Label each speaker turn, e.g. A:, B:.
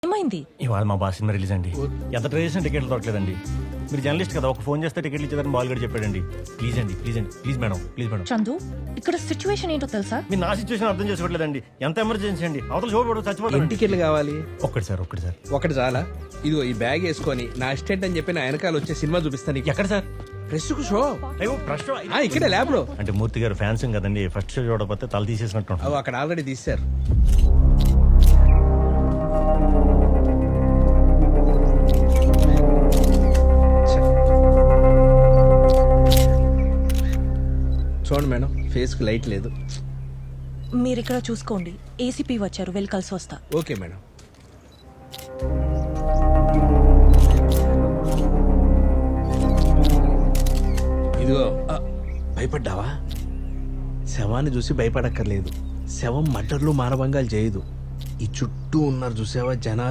A: ఏమైంది?
B: ఇవాళ మా బాస్ సినిమా రిలీజ్ అండి. ఎంత ట్రై చేసిన టికెట్లు దొరకలేదండి. మీరు జర్నలిస్ట్ కదా, ఒక ఫోన్ చేస్తే టికెట్లు ఇచ్చేదని బాలుగడ చెప్పాడండి. ప్లీజ్ అండి, ప్లీజ్ అండి, please madam, please madam.
A: Chandu, ఇక్కడ సిచ్యువేషన్ ఏంటో తెలుసా?
B: మీరు నా సిచ్యువేషన్ అర్థం చేసుకోవట్లేదండి. ఎంత ఎమర్జెన్సీ అండి, అవతల చూడబడు చచ్చిపోతాను.
C: టికెట్లు కావాలి
B: ఒక్కటి సార్, ఒక్కటి సార్.
C: ఒకటి చాలా. ఇదిగో ఈ బ్యాగ్ వేసుకొని నా అసిస్టెంట్ అని చెప్పి నా వెనకాల వచ్చే సినిమా చూపిస్తాను నీకు.
B: ఎక్కడ సార్?
C: ప్రెస్కు షో
B: అయ్యో ప్రశ్న
C: ఇక్కడే ల్యాబ్ లో.
B: అంటే మూర్తి గారు ఫ్యాన్స్ కదండి, ఫస్ట్ షో చూడకపోతే తల తీసేసినట్టు ఉంటుంది.
C: అక్కడ ఆల్రెడీ తీశారు. చూడండి మేడం, ఫేస్ కు లైట్ లేదు.
A: మీరు ఇక్కడ చూసుకోండి. ఏసీపీ వచ్చారు, వెళ్ళి కలిసి వస్తా.
C: Okay madam. ఇదిగో భయపడ్డావా? శవాన్ని చూసి భయపడక్కర్లేదు. శవం మర్డర్లు మానభంగాలు చేయదు. ఈ చుట్టూ ఉన్నారు చూసావా జనాలు.